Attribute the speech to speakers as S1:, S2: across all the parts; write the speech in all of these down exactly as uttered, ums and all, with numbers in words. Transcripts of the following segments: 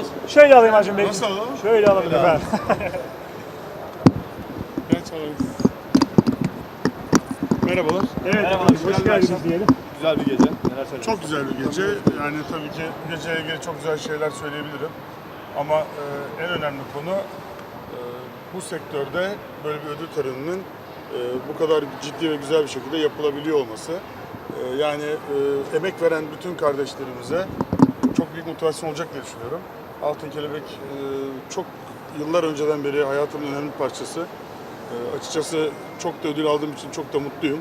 S1: alıyoruz.
S2: Şöyle alayım Acun Bey.
S3: Nasıl alalım?
S2: Şöyle alalım
S3: Öyle
S2: efendim.
S3: Ben çalarım. Merhabalar.
S2: Evet,
S1: Merhaba,
S2: efendim,
S1: güzel
S2: hoş
S1: bir
S2: geldiniz
S1: akşam.
S2: diyelim.
S1: Güzel bir gece. Neler söyleyeceksiniz?
S3: Çok güzel bir gece. Yani tabii ki geceye ilgili çok güzel şeyler söyleyebilirim. Ama e, en önemli konu e, bu sektörde böyle bir ödül töreninin e, bu kadar ciddi ve güzel bir şekilde yapılabiliyor olması. E, yani e, emek veren bütün kardeşlerimize çok büyük motivasyon olacak diye düşünüyorum. Altın Kelebek e, çok yıllar önceden beri hayatımın önemli bir parçası. E, açıkçası çok da ödül aldığım için çok da mutluyum.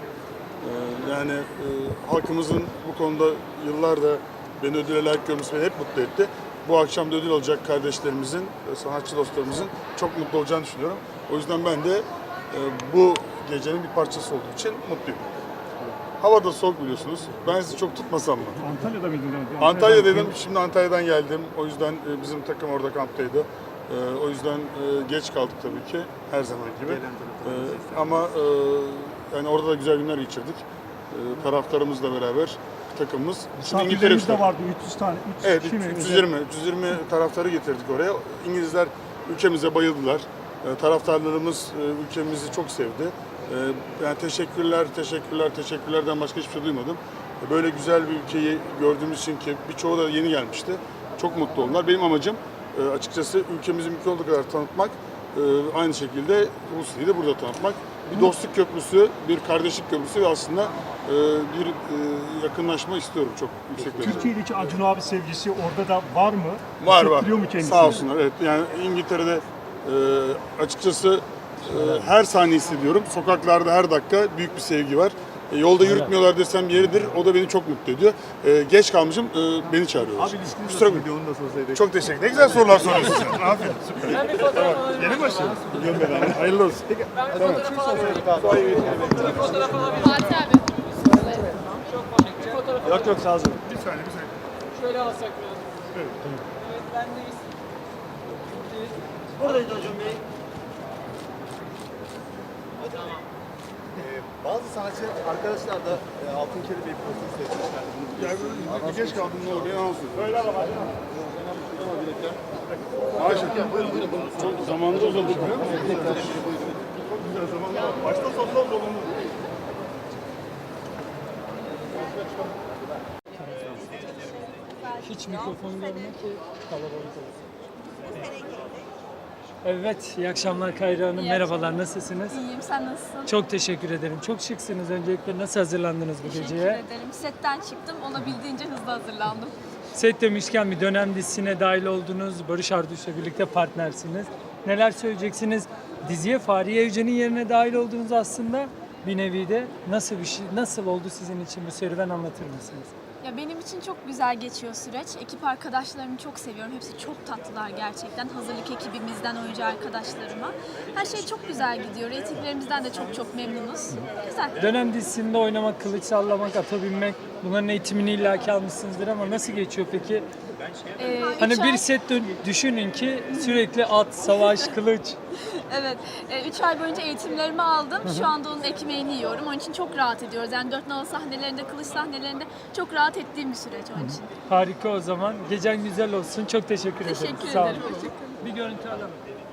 S3: E, yani e, halkımızın bu konuda yıllarda beni ödüle layık görmesi beni hep mutlu etti. Bu akşam da ödül alacak kardeşlerimizin, e, sanatçı dostlarımızın çok mutlu olacağını düşünüyorum. O yüzden ben de e, bu gecenin bir parçası olduğu için mutluyum. Hava da soğuk biliyorsunuz. Ben sizi çok tutmasam mı?
S2: Antalya'da mıydın?
S3: Antalya dedim, şimdi Antalya'dan geldim. O yüzden e, bizim takım orada kamptaydı. E, o yüzden e, geç kaldık tabii ki, her zaman gibi. E, ama e, yani orada da güzel günler geçirdik. E, taraftarımızla beraber takımımız. Şimdi İngiltere
S2: Misafirlerimiz de vardı, üç yüz tane. üç
S3: Evet,
S2: kişi mi?
S3: üç yüz yirmi, üç yüz yirmi taraftarı getirdik oraya. İngilizler ülkemize bayıldılar. E, taraftarlarımız e, ülkemizi çok sevdi. E, yani teşekkürler, teşekkürler, teşekkürlerden başka hiçbir şey duymadım. E, böyle güzel bir ülkeyi gördüğümüz için ki birçoğu da yeni gelmişti. Çok mutlu oldular. Benim amacım e, açıkçası ülkemizi mümkün olduğu kadar tanıtmak. E, aynı şekilde Rusya'yı da burada tanıtmak. Bir dostluk köprüsü, bir kardeşlik köprüsü ve aslında e, bir e, yakınlaşma istiyorum çok yüksek derecede.
S2: Türkiye'deki Acun abi sevgisi orada da var mı?
S3: Var var.
S2: Hissettiriyor mu kendisini?
S3: Sağ olsunlar. Evet. Yani İngiltere'de e, açıkçası e, her saniye hissediyorum. Sokaklarda her dakika büyük bir sevgi var. E, yolda yürütmüyorlar desem yeridir. O da beni çok mutlu ediyor. E, geç kalmışım. E, beni çağırıyorlar.
S1: Abi ilişkiniz
S3: Kusura
S1: nasıl
S3: bakmayın.
S1: gidiyor? Onu da sorsaydık.
S3: Çok teşekkür ederim. Ne güzel sorular soruyorsun sen. Aferin. Süper.
S1: Ben bir fotoğraf alabilir miyim?
S3: Yeni başladım. Biliyorum ben abi. Hayırlı olsun.
S1: Ben bir fotoğraf alabilir miyim? Bir fotoğraf alabilir miyim?
S4: Fatih abi.
S1: Çok komik. Bir fotoğraf
S2: Yok yok sağ olun.
S3: Bir saniye bir saniye.
S1: şöyle alsak biraz.
S3: Evet.
S1: Evet, bendeyiz.
S5: Buradayız Acun Bey.
S1: Tamam.
S5: Ee, bazı sanatçı arkadaşlar da e, Altın Kelebek profili seçmişler.
S3: Yani böyle bir geç kaldım ne olur? Yalan söylüyorum. Öyle ama. Maşallah. Çok zamanda uzadı biliyor musun? Çok güzel zamanda. Başta sonunda dolundu.
S6: Hiç mikrofon görmüyor ki kalabalık olsun. Evet, iyi akşamlar Kayra Hanım.
S4: İyi
S6: Merhabalar, nasılsınız?
S4: İyiyim, sen nasılsın?
S6: Çok teşekkür ederim. Çok şıksınız. Öncelikle nasıl hazırlandınız bu
S4: Teşekkür
S6: geceye?
S4: ederim. Setten çıktım, olabildiğince hızlı hazırlandım.
S6: Set demişken bir dönem dizisine dahil oldunuz. Barış Arduç'la birlikte partnersiniz. Neler söyleyeceksiniz? Diziye Fahriye Evcen'in yerine dahil oldunuz aslında. Bir nevi de nasıl bir şey, nasıl oldu sizin için bu serüven, anlatır mısınız?
S4: Ya benim için çok güzel geçiyor süreç. Ekip arkadaşlarımı çok seviyorum. Hepsi çok tatlılar gerçekten. Hazırlık ekibimizden oyuncu arkadaşlarıma. Her şey çok güzel gidiyor. Reytinglerimizden de çok çok memnunuz. Güzel.
S6: Dönem dizisinde oynamak, kılıç sallamak, ata binmek, bunların eğitimini illaki almışsınızdır ama nasıl geçiyor peki?
S4: Ee,
S6: Hani
S4: üç
S6: bir
S4: ay-
S6: set dön- düşünün ki sürekli at, savaş, kılıç.
S4: Evet. üç ay boyunca eğitimlerimi aldım. Şu anda onun ekmeğini yiyorum. Onun için çok rahat ediyoruz. Yani dört nala sahnelerinde, kılıç sahnelerinde çok rahat ettiğim bir süreç onun için.
S6: Harika o zaman. Gecen güzel olsun. Çok teşekkür ederim.
S4: Teşekkür
S6: Sağ olun.
S4: ederim.
S6: Bir görüntü alalım.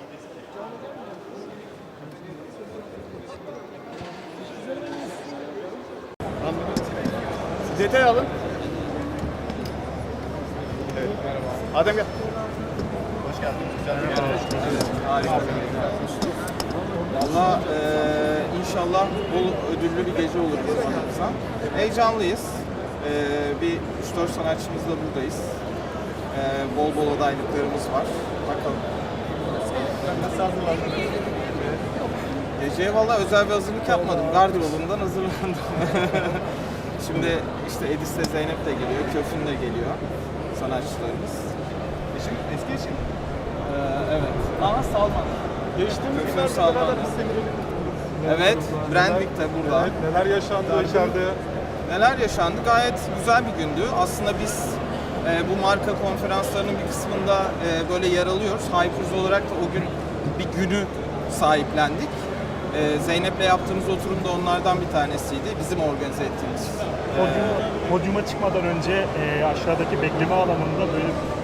S5: Detay alın. Evet, merhaba. Adem gel. Hoş geldin. Güzel bir gece. Harika.
S7: Valla eee inşallah bol ödüllü bir gece olur bizim adımıza. Heyecanlıyız. Eee, bir üç dört sanatçımızla buradayız. Eee, bol bol adaylıklarımız var. Bakalım.
S5: Nasıl hazırlandın?
S7: Geceye valla özel bir hazırlık yapmadım. Gardırobumdan hazırlandım. Şimdi işte Edis'le Zeynep de geliyor, Köfün de geliyor sanatçılarımız.
S5: Eşin, eski eşin.
S7: Eee, evet.
S5: Ama Salman. Geçtiğimiz
S7: Köfün
S5: günlerde
S7: Salman.
S5: beraber biz de bir
S7: Evet, Brandwick de burada.
S5: Evet, neler yaşandı içeride?
S7: Neler yaşandı? Gayet güzel bir gündü. Aslında biz e, bu marka konferanslarının bir kısmında e, böyle yer alıyoruz. Hypers olarak da o gün bir günü sahiplendik. E, Zeynep'le yaptığımız oturum da onlardan bir tanesiydi. Bizim organize ettiğimiz.
S2: Podyuma, podyuma çıkmadan önce e, aşağıdaki bekleme alanında böyle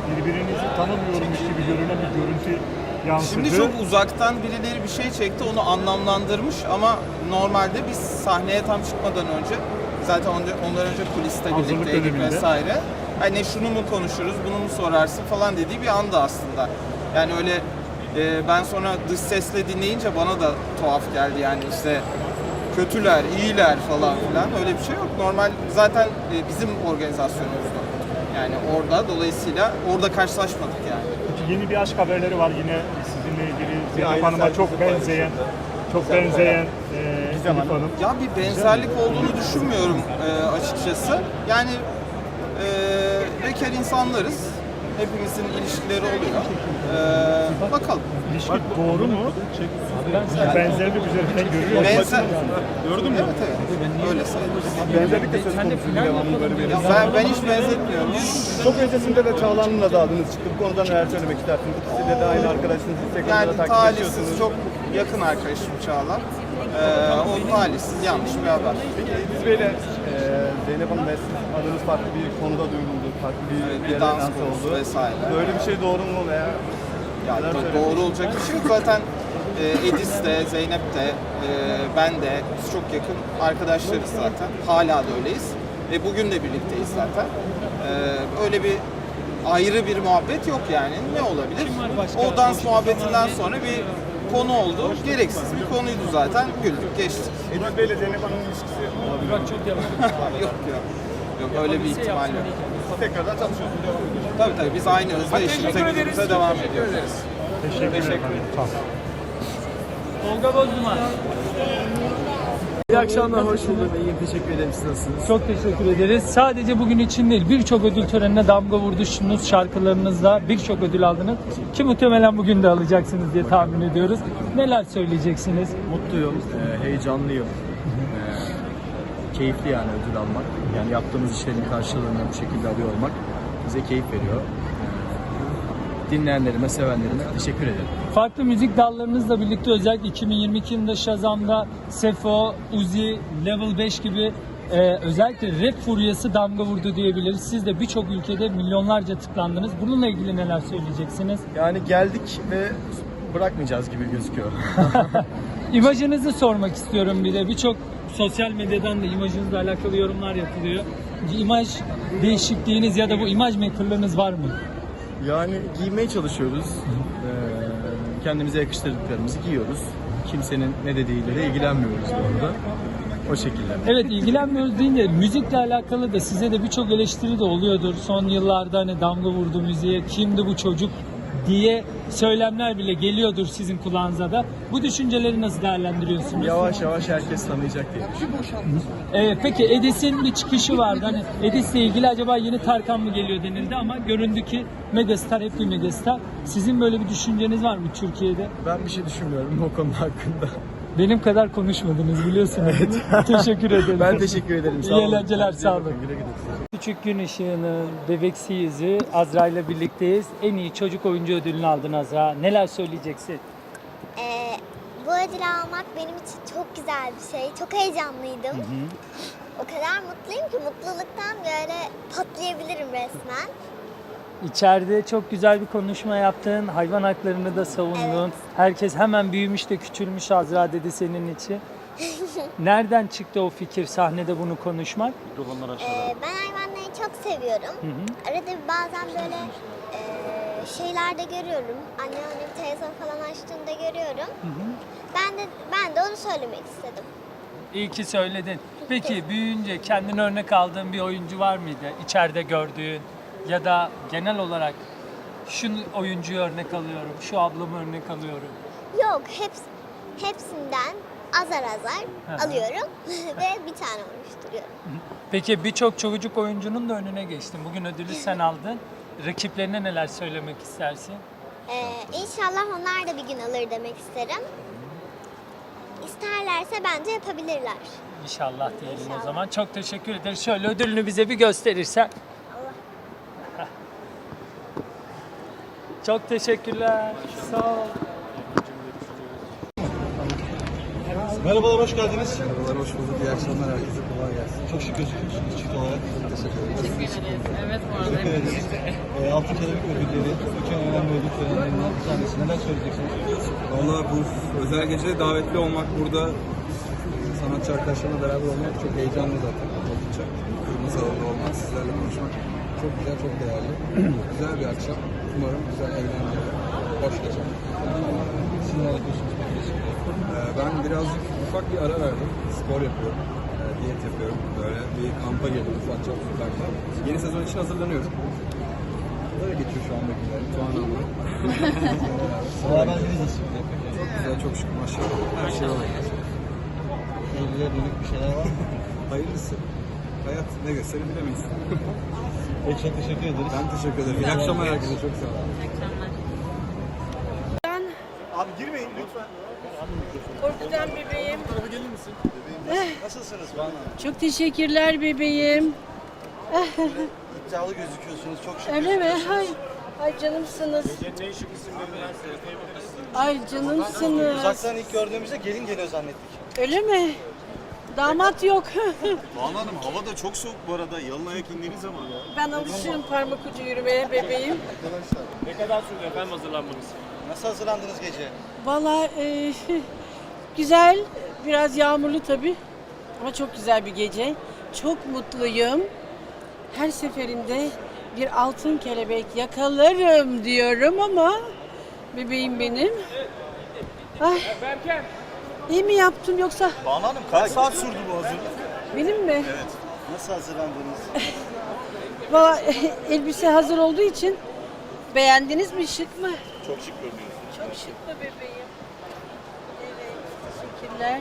S2: birbirinizi tanımıyormuş gibi görünen bir görüntü yansıdı.
S7: Şimdi çok uzaktan birileri bir şey çekti, onu anlamlandırmış ama normalde biz sahneye tam çıkmadan önce, zaten ondan ondan önce kuliste
S2: Hazırlık
S7: birlikteydik
S2: döneminde.
S7: vesaire. Hani şunu mu konuşuruz, bunu mu sorarsın falan dediği bir anda aslında. Yani öyle e, ben sonra dış sesle dinleyince bana da tuhaf geldi yani işte kötüler, iyiler falan filan öyle bir şey yok. Normal zaten e, bizim organizasyonumuzda. Yani orada dolayısıyla orada karşılaşmadık yani.
S2: Peki yeni bir aşk haberleri var yine sizinle ilgili. Zeynep
S5: aynı
S2: Hanım'a çok
S5: sergisi
S2: benzeyen, çok benzeyen e, Elif Hanım.
S7: Ya bir benzerlik olduğunu düşünmüyorum e, açıkçası. Yani e, bekar insanlarız. Hepimizin ilişkileri oluyor. E, bakalım.
S2: İlişki doğru mu? Yani benzerlik üzerinden görüyor musunuz?
S7: Benzer... Gördün mü? Evet evet. Öyle sayılır.
S5: Benzerlik de söz konusu devamlı böyle bir.
S7: Ya ben, ben hiç benzetmiyorum.
S5: Çok öncesinde de Çağla'nınla da adınız çıktı. Bu konuda neler söylemek istersiniz? İkisiyle de aynı arkadaşınız. Instagram'da
S7: Yani
S5: da takip
S7: talihsiz,
S5: ediyorsunuz.
S7: çok yakın arkadaşım Çağla. E, o talihsiz, yanlış bir haber.
S5: Peki İdris Bey'le e, Zeynep Hanım ve siz adınız farklı bir konuda duyuldu. Farklı bir,
S7: Evet, bir
S5: yere
S7: dans
S5: lanse
S7: konusu
S5: oldu.
S7: vesaire.
S5: Böyle bir şey doğru mu veya?
S7: Ya
S5: Neler
S7: do-
S5: söylemek
S7: doğru olacak bir şey yok. Zaten e, Edis de, Zeynep de, e, ben de biz çok yakın arkadaşlarız zaten. Hala da öyleyiz. Ve bugün de birlikteyiz zaten. E, öyle bir ayrı bir muhabbet yok yani. Ne olabilir? O dans muhabbetinden sonra bir konu oldu. Gereksiz bir konuydu zaten. Güldük, geçtik.
S5: İdris Bey'le Zeynep Hanım'ın ilişkisi olabilir.
S6: Bak çok yavaş.
S7: yok yok. Yok öyle bir ihtimal yok.
S5: Tekrardan çalışıyorsunuz. devam ediyorsunuz.
S7: Tabii tabii biz aynı hızla işimize gücümüze devam ediyoruz.
S2: Teşekkür,
S7: Teşekkür
S2: ederim.
S7: ederim.
S2: Sağ olun.
S6: Tolga Bozduman.
S8: İyi akşamlar, hoş bulduk. İyiyim, teşekkür ederim. Siz nasılsınız?
S6: Çok teşekkür ederiz. Sadece bugün için değil, birçok ödül törenine damga vurdunuz, şarkılarınızla birçok ödül aldınız. Ki muhtemelen bugün de alacaksınız diye tahmin ediyoruz. Neler söyleyeceksiniz?
S8: Mutluyum, e, heyecanlıyım. E, keyifli yani ödül almak. Yani yaptığımız işlerin karşılığını bu şekilde alıyor olmak bize keyif veriyor. E, dinleyenlerime, sevenlerime teşekkür ederim.
S6: Farklı müzik dallarınızla birlikte özellikle iki bin yirmi iki yılında Shazam'da Sefo, Uzi, Level beş gibi e, özellikle rap furyası damga vurdu diyebiliriz. Siz de birçok ülkede milyonlarca tıklandınız. Bununla ilgili neler söyleyeceksiniz?
S8: Yani geldik ve bırakmayacağız gibi gözüküyor.
S6: İmajınızı sormak istiyorum bir de. Birçok sosyal medyadan da imajınızla alakalı yorumlar yapılıyor. İmaj değişikliğiniz ya da bu imaj makerlığınız var mı?
S8: Yani giymeye çalışıyoruz. Ee, kendimize yakıştırdıklarımızı giyiyoruz. Kimsenin ne dediğiyle de ilgilenmiyoruz bu arada. O şekilde.
S6: Evet, ilgilenmiyoruz deyince müzikle alakalı da size de birçok eleştiri de oluyordur. Son yıllarda hani damga vurdu müziğe, kimdi bu çocuk diye söylemler bile geliyordur sizin kulağınıza da. Bu düşünceleri nasıl değerlendiriyorsunuz?
S8: Yavaş yavaş herkes tanıyacak diye düşünüyorum.
S6: Ee, peki Edis'in bir çıkışı vardı. Hani Edis'le ilgili acaba yeni Tarkan mı geliyor denildi ama göründü ki megastar, hep bir megastar. Sizin böyle bir düşünceniz var mı Türkiye'de?
S8: Ben bir şey düşünmüyorum o konu hakkında.
S6: Benim kadar konuşmadınız biliyorsunuz. Teşekkür ederim.
S8: Ben teşekkür ederim. Sağ
S6: İyi
S8: olun.
S6: eğlenceler, sağ olun.
S8: Güle güle.
S6: Küçük Gün Işığı'nın bebeksi yüzü Azra ile birlikteyiz. En iyi çocuk oyuncu ödülünü aldın Azra. Neler söyleyeceksin?
S9: Ee, bu ödülü almak benim için çok güzel bir şey. Çok heyecanlıydım. O kadar mutluyum ki mutluluktan böyle patlayabilirim resmen.
S6: İçeride çok güzel bir konuşma yaptın. Hayvan haklarını da savundun.
S9: Evet.
S6: Herkes hemen büyümüş de küçülmüş Azra dedi senin için. Nereden çıktı o fikir sahnede bunu konuşmak?
S9: Ee, ben hayvanları çok seviyorum. Arada bir bazen böyle e, şeylerde görüyorum. Anneannem televizyon falan açtığında görüyorum. Ben de ben de onu söylemek istedim.
S6: İyi ki söyledin. Peki büyüyünce kendine örnek aldığın bir oyuncu var mıydı? İçeride gördüğün ya da genel olarak şu oyuncuyu örnek alıyorum, şu ablamı örnek alıyorum.
S9: Yok, heps, hepsinden azar azar
S6: Hı hı.
S9: alıyorum ve bir tane oluşturuyorum.
S6: Peki birçok çocuk oyuncunun da önüne geçtin. Bugün ödülü sen aldın. Rakiplerine neler söylemek istersin?
S9: Ee, inşallah onlar da bir gün alır demek isterim. İsterlerse bence yapabilirler.
S6: İnşallah diyelim
S9: İnşallah.
S6: o zaman. Çok teşekkür ederiz. Şöyle ödülünü bize bir gösterirsen.
S9: Allah.
S6: Çok teşekkürler. Sağ ol.
S1: Merhabalar, hoş geldiniz.
S10: Merhabalar, hoş bulduk. İyi akşamlar herkese. Kolay gelsin.
S1: Çok şık gözüküyorsunuz çift olarak.
S10: Teşekkür ederim.
S11: Teşekkür ederiz. Evet bu arada.
S1: Teşekkür ederiz. E, Altın Kelebek ödülleri, iki önemli ödül törenlerinden bir tanesi. Neler söyleyeceksiniz?
S10: Valla bu özel gecede davetli olmak, burada sanatçı arkadaşlarımla beraber olmak çok heyecanlı zaten. Oldukça. Kırmızı alanda olmak, sizlerle konuşmak çok güzel, çok değerli. Güzel bir akşam. Umarım güzel, eğlenceli, hoş geçer.
S1: Siz neler yapıyorsunuz?
S10: Ee, ben birazcık ufak bir ara verdim. Spor yapıyorum. Ee, diyet yapıyorum. Böyle bir kampa girdim ufakça ufakta. Yeni sezon için hazırlanıyorum. Böyle geçiyor şu anda günlerim. Tuğan'la.
S1: Beraberliğiniz nasıl?
S10: Çok güzel, çok şükür maşallah. Her şey oluyor.
S1: Evliliğe dönük bir şeyler var mı?
S10: Hayırlısı. Hayat ne gösterir bilemeyiz.
S1: Peki, çok teşekkür ederiz.
S10: Ben teşekkür ederim. İyi akşamlar herkese. Çok sağ olun.
S11: İyi akşamlar.
S5: Abi girmeyin lütfen.
S11: Korkudan bebeğim.
S5: Tarafa gelir misin? Nasılsınız Banu Hanım?
S11: Çok teşekkürler bebeğim.
S5: İddialı gözüküyorsunuz. Çok şık.
S11: Öyle mi? Ay, ay canımsınız.
S5: Ne şık isimlerinden seyredebiliriz.
S11: Ay canımsınız.
S5: Uzaktan ilk gördüğümüzde gelin geliyor zannettik.
S11: Öyle mi? Damat yok.
S5: Banu Hanım hava da çok soğuk bu arada. Yalın ayak indiğiniz zaman.
S11: Ben alışığım parmak ucu yürümeye bebeğim.
S5: Ne kadar sürdü efendim hazırlanmanız? Nasıl hazırlandınız gece?
S11: Vallahi e, güzel, biraz yağmurlu tabii. Ama çok güzel bir gece. Çok mutluyum. Her seferinde bir altın kelebek yakalarım diyorum ama bebeğim benim. Ay, iyi mi yaptım yoksa
S5: Banu Hanım kaç saat sürdü bu hazırlık?
S11: benim mi?
S5: Evet. Nasıl hazırlandınız?
S11: Vallahi elbise hazır olduğu için beğendiniz mi? Şık mı?
S5: Çok şık görünüyorsunuz.
S11: Çok şık mı bebeğim? Evet, teşekkürler.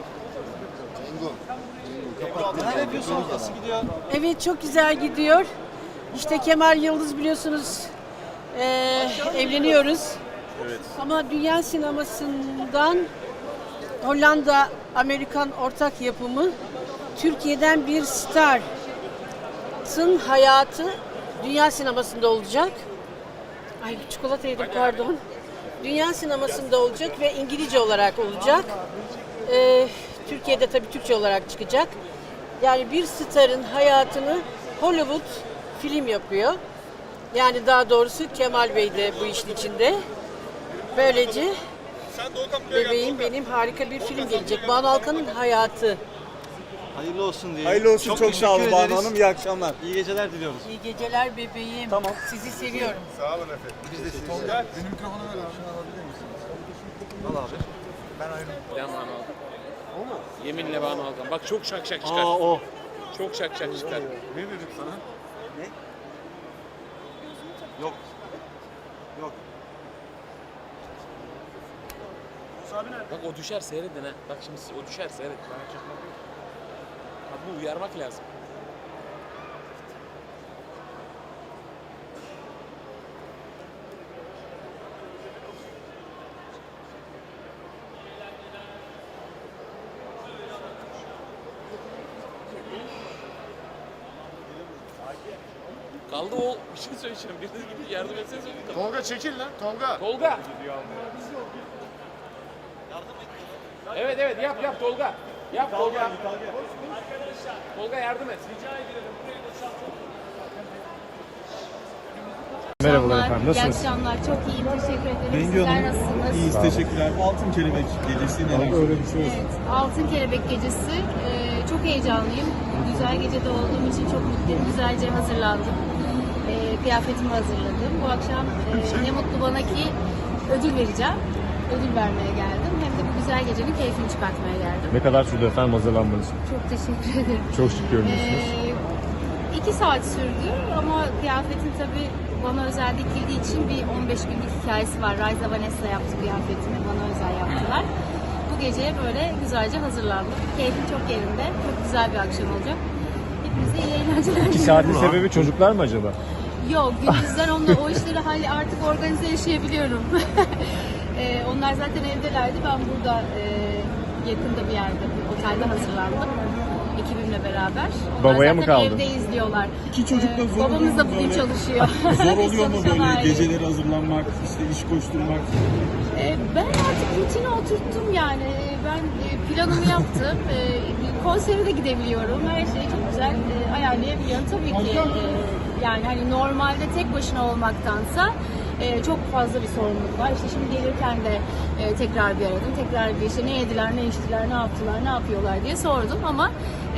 S5: Neler yapıyorsunuz? Nasıl gidiyor?
S11: Evet, çok güzel gidiyor. İşte Kemal Yıldız biliyorsunuz eee, evleniyoruz.
S5: Evet.
S11: Ama dünya sinemasından Hollanda Amerikan ortak yapımı Türkiye'den bir starın hayatı dünya sinemasında olacak. Ay çikolata yedim pardon. Dünya sinemasında olacak ve İngilizce olarak olacak. Ee, Türkiye'de tabii Türkçe olarak çıkacak. Yani bir starın hayatını Hollywood film yapıyor. Yani daha doğrusu Kemal Bey de bu işin içinde. Böylece bebeğim benim harika bir film gelecek. Banu Alkan'ın hayatı.
S5: Hayırlı olsun diye.
S1: Hayırlı olsun, çok,
S5: teşekkür
S1: sağ olun Banu
S5: ederiz.
S1: Hanım. İyi akşamlar.
S5: İyi geceler diliyoruz.
S11: İyi geceler bebeğim. Tamam. Sizi seviyorum.
S10: Sağ olun efendim. Biz de sizi. Tolga, benim mikrofonu ver abi.
S5: Al abi.
S10: Ben ayrıldım.
S12: Ben Banu Alkan. O mu? Yeminle Banu Alkan. Bak çok şak şak çıkar.
S5: Aa o.
S12: Çok şak şak çıkar.
S10: Ne dedim sana?
S5: Ne? Yok. Yok.
S12: Bak o düşer seyredin ha. Bak şimdi o düşer seyret. Bana çakmak yok. Kadını uyarmak lazım. Kaldı o bir şey söyleyeceğim. Biriniz gibi yardım etseniz olur.
S10: Tolga çekil lan. Tolga.
S12: Tolga. Evet evet yap yap Tolga. Yap Tolga. Tolga yardım et.
S2: Merhabalar efendim, nasılsınız?
S4: İyi akşamlar. Çok iyiyim. Teşekkür ederim.
S1: Bengi
S4: Sizler
S1: Hanım,
S4: nasılsınız?
S1: iyiyiz, teşekkürler. Altın Kelebek gecesi neler
S2: Öyle bir şey olsun.
S4: Evet, Altın Kelebek Gecesi. Ee, çok heyecanlıyım. Güzel gecede olduğum için çok mutluyum. Güzelce hazırlandım. Ee, kıyafetimi hazırladım. Bu akşam e, ne mutlu bana ki ödül vereceğim. Ödül vermeye geldim. Hem de bu güzel gecenin keyfini çıkartmaya geldim.
S2: Ne kadar sürdü efendim hazırlanmanız?
S4: Çok teşekkür ederim.
S2: Çok şık görünüyorsunuz.
S4: Ee, iki saat sürdü ama kıyafetin tabii bana özel dikildiği için bir on beş günlük hikayesi var. Raiza Vanessa yaptı kıyafetini, bana özel yaptılar. Bu geceye böyle güzelce hazırlandım. Keyfim çok yerinde, çok güzel bir akşam olacak. Hepinize iyi eğlenceler.
S2: İki saatin sebebi çocuklar mı acaba?
S4: Yok, gündüzden onunla o işleri hali artık organize yaşayabiliyorum. ee, onlar zaten evdelerdi, ben burada e, yakında bir yerde, bir otelde hazırlandım.
S13: ekibimle beraber. Onlar
S2: Babaya
S13: zaten
S2: mı kaldı?
S13: evde izliyorlar.
S5: İki çocuk da
S13: Ee,
S5: zor oluyor
S13: Babamız
S5: mu
S13: da bugün
S5: böyle?
S13: çalışıyor.
S5: Zor
S13: Biz
S5: oluyor mu
S13: çalışan
S5: böyle
S13: aileyiz.
S5: geceleri hazırlanmak, işte iş koşturmak?
S13: Ee, Ben artık rutine oturttum yani. Ee, Ben e, planımı yaptım. Ee, Konsere de gidebiliyorum. Her şeyi çok güzel e, ayarlayabiliyorum. Tabii ki e, yani hani normalde tek başına olmaktansa e, çok fazla bir sorumluluk var. İşte şimdi gelirken de e, tekrar bir aradım. Tekrar bir işte ne yediler, ne içtiler, ne yaptılar, ne yapıyorlar diye sordum ama e,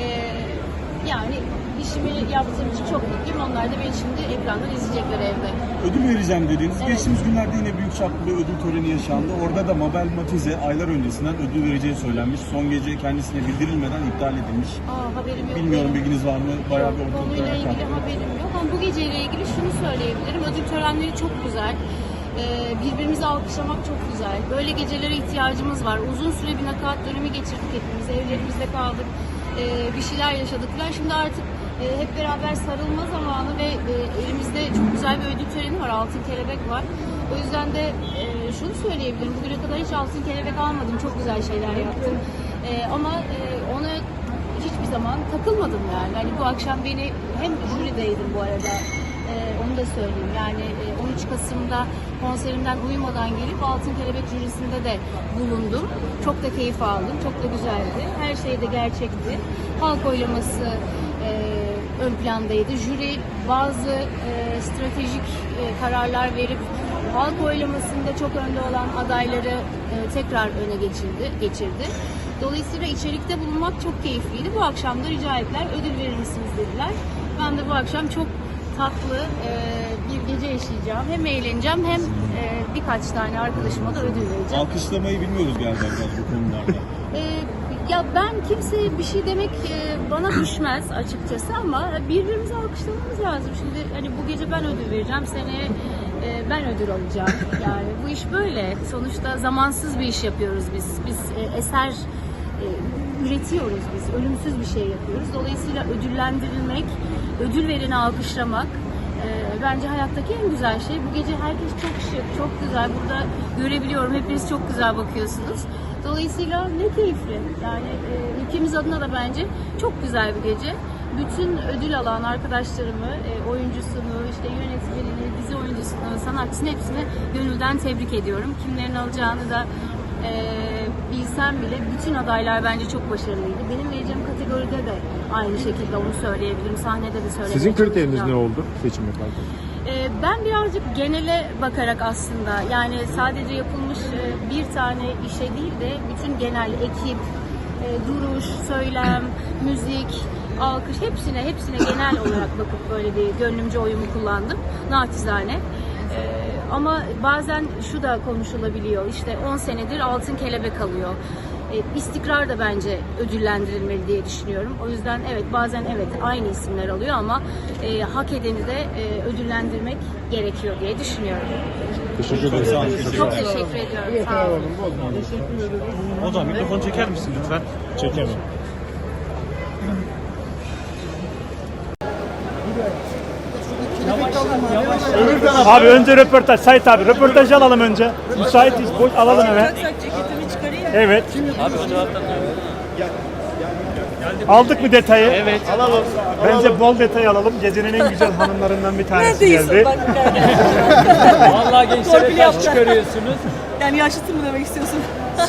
S13: yani işimi yaptığım için çok mutluyum. Onlar da beni şimdi ekrandan izleyecekler evde.
S5: Ödül vereceğim dediniz.
S13: Evet.
S5: Geçtiğimiz günlerde yine büyük çaplı bir ödül töreni yaşandı. Orada da Mabel Matize aylar öncesinden ödül vereceği söylenmiş. Son gece kendisine bildirilmeden iptal edilmiş.
S13: Aa, haberim yok.
S5: Bilmiyorum,
S13: benim.
S5: bilginiz var mı? Bayağı bir ortalıkta
S13: Konuyla ilgili
S5: yakan.
S13: haberim yok ama bu geceyle ilgili şunu söyleyebilirim. Ödül törenleri çok güzel. Ee, birbirimizi alkışlamak çok güzel. Böyle gecelere ihtiyacımız var. Uzun süre bir nakaat dönemi geçirdik hepimiz. Evlerimizde kaldık. Ee, bir şeyler yaşadık. Ben şimdi artık e, hep beraber sarılma zamanı ve e, elimizde çok güzel bir ödül töreni var. Altın kelebek var. O yüzden de e, şunu söyleyebilirim. Bugüne kadar hiç altın kelebek almadım. Çok güzel şeyler yaptım. E, ama e, ona hiçbir zaman takılmadım yani. Hani bu akşam beni hem jürideydim bu arada. Ee, onu da söyleyeyim. Yani e, on üç Kasım'da konserimden uyumadan gelip Altın Kelebek jürisinde de bulundum. Çok da keyif aldım. Çok da güzeldi. Her şey de gerçekti. Halk oylaması e, ön plandaydı. Jüri bazı e, stratejik e, kararlar verip halk oylamasında çok önde olan adayları e, tekrar öne geçirdi, geçirdi. Dolayısıyla içerikte bulunmak çok keyifliydi. Bu akşam da rica ettiler, ödül verir misiniz dediler. Ben de bu akşam çok tatlı e, bir gece yaşayacağım. Hem eğleneceğim hem e, birkaç tane arkadaşıma da ödül vereceğim.
S5: Alkışlamayı bilmiyoruz galiba biraz bu konularda.
S13: E, ya ben kimseye bir şey demek e, bana düşmez açıkçası ama birbirimizi alkışlamamız lazım. Şimdi hani bu gece ben ödül vereceğim, seneye e, ben ödül alacağım. Yani bu iş böyle. Sonuçta zamansız bir iş yapıyoruz biz. Biz e, eser e, üretiyoruz biz. Ölümsüz bir şey yapıyoruz. Dolayısıyla ödüllendirilmek, ödül vereni alkışlamak e, bence hayattaki en güzel şey. Bu gece herkes çok şık, çok güzel. Burada görebiliyorum. Hepiniz çok güzel bakıyorsunuz. Dolayısıyla ne keyifli. Yani e, ülkemiz adına da bence çok güzel bir gece. Bütün ödül alan arkadaşlarımı, e, oyuncusunu, işte yönetmenini, dizi oyuncusunu, sanatçısını hepsini gönülden tebrik ediyorum. Kimlerin alacağını da e, bilsem bile bütün adaylar bence çok başarılıydı. Benim vereceğim kategoride de aynı şekilde onu söyleyebilirim. Sahnede de söyleyebilirim.
S2: Sizin kriteriniz ne oldu seçim yaparken?
S13: Ee, Ben birazcık genele bakarak aslında yani sadece yapılmış e, bir tane işe değil de bütün genel ekip, e, duruş, söylem, müzik, alkış hepsine hepsine genel olarak bakıp böyle bir gönlümce oyumu kullandım naçizane. Ee, Ama bazen şu da konuşulabiliyor işte on senedir Altın Kelebek alıyor. E, istikrar da bence ödüllendirilmeli diye düşünüyorum. O yüzden evet bazen evet aynı isimler alıyor ama e, hak edeni de e, ödüllendirmek gerekiyor diye düşünüyorum.
S2: Teşekkür ederim.
S13: Çok teşekkür ediyorum. Sağ olun.
S1: Hocam mikrofonu çeker misin lütfen?
S2: Çekemem. Abi önce röportaj. Sait abi röportajı alalım önce. Müsaitiz. Boş alalım hemen. Evet. Aldık mı detayı? Evet. Alalım. Bence bol detay alalım. Gecenin en güzel hanımlarından bir tanesi geldi.
S6: Vallahi gençlere taş çıkarıyorsunuz.
S11: Yani yaşlısın mı demek istiyorsun?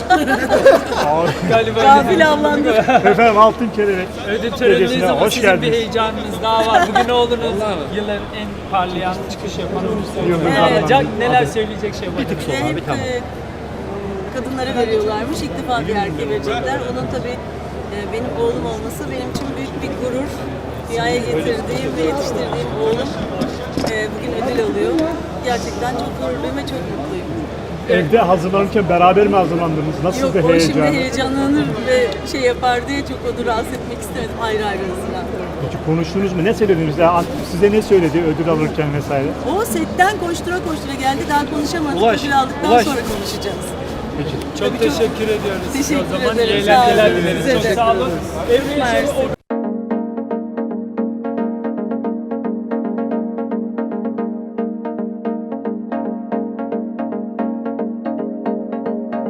S6: Galiba
S11: Gafil avlandı.
S2: Efendim Altın Kelebek.
S6: ödül töreninizde
S2: Gecesine
S6: ama
S2: hoş
S6: sizin bir
S2: geldiniz.
S6: heyecanınız daha var. Bugün oğlunuz yılların en parlayan çıkış yapan oyuncusu.
S2: Yıldızlardan
S6: Ee, Can,
S2: biri.
S6: neler söyleyecek şey var?
S11: Hep e, kadınlara veriyorlarmış. İlk defa bir erkeğe verecekler. Onun tabii e, benim oğlum olması benim için büyük bir gurur. Dünyaya getirdiğim ve yetiştirdiğim oğlum e, bugün ödül alıyor. Gerçekten çok gururluyum ve çok mutluyum.
S2: Evde hazırlanırken beraber mi hazırlandınız? Nasıl
S11: Yok
S2: bir
S11: o şimdi
S2: heyecan?
S11: heyecanlanır ve şey yapar diye çok onu rahatsız etmek istemedim. Ayrı ayrı hazırlandım.
S2: Peki konuştunuz mu? Ne söylediniz? Ya, size ne söyledi ödül alırken vesaire?
S11: O setten koştura koştura geldi. Daha konuşamadık.
S2: Ulaş,
S11: Ödül aldıktan
S2: Ulaş.
S11: sonra konuşacağız.
S2: Peki.
S6: Çok teşekkür ediyoruz.
S11: Teşekkür
S6: O zaman
S11: ederim.
S6: iyi
S11: Sağ olun.
S6: eğlenceler dileriz.
S11: Size
S6: Çok
S11: de.
S6: sağ olun. Emre
S11: Mersi.